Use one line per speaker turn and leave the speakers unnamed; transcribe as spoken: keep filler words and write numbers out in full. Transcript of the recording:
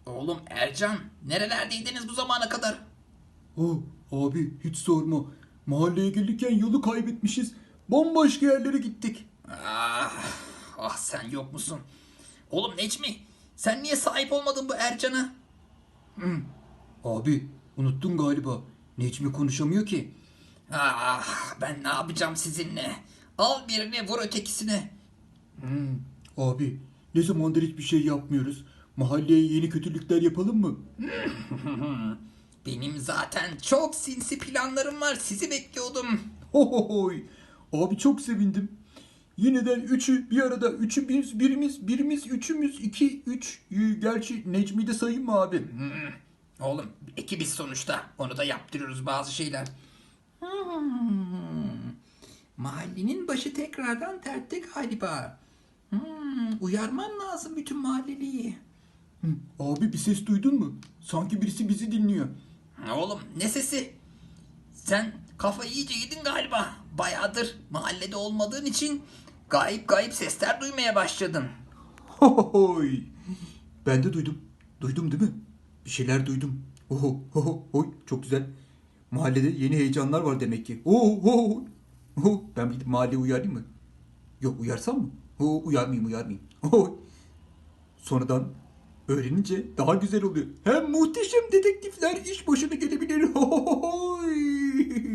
Oğlum Ercan, nerelerdeydiniz bu zamana kadar?
Oh abi hiç sorma. Mahalleye gelirken yolu kaybetmişiz. Bomboş yerlere gittik.
Ah, ah sen yok musun? Oğlum Necmi, sen niye sahip olmadın bu Ercan'a?
Abi unuttun galiba. Necmi konuşamıyor ki.
Ah, ben ne yapacağım sizinle? Al birini vur ötekisine.
Abi ne zamandır hiçbir şey yapmıyoruz. Mahalleye yeni kötülükler yapalım mı?
Benim zaten çok sinsi planlarım var. Sizi bekliyordum.
Hohohoy. Abi çok sevindim. Yeniden üçü bir arada. Üçü biz, birimiz, birimiz, üçümüz, iki, üç. Ee, Gerçi Necmi'yi de sayayım mı abi?
Oğlum ekibiz sonuçta. Onu da yaptırıyoruz bazı şeyler. Hmm, Mahallenin başı tekrardan dertte galiba. Hmm, uyarmam lazım bütün mahalleliyi.
Abi bir ses duydun mu? Sanki birisi bizi dinliyor.
Oğlum ne sesi? Sen kafayı iyice yedin galiba. Bayağıdır mahallede olmadığın için gayip gayip sesler duymaya başladın.
Hohohoy. Ben de duydum. Duydum değil mi? Bir şeyler duydum. Oho, hoho, hoy. Çok güzel. Mahallede yeni heyecanlar var demek ki. Oho, ho, ho. Ben bir gidip mahalleye uyarayım mı? Yok uyarsam mı? Ho, uyarmayayım uyarmayayım. Oho. Sonradan öğrenince daha güzel oluyor. Hem muhteşem dedektifler iş başına gelebilir. Hohohoy.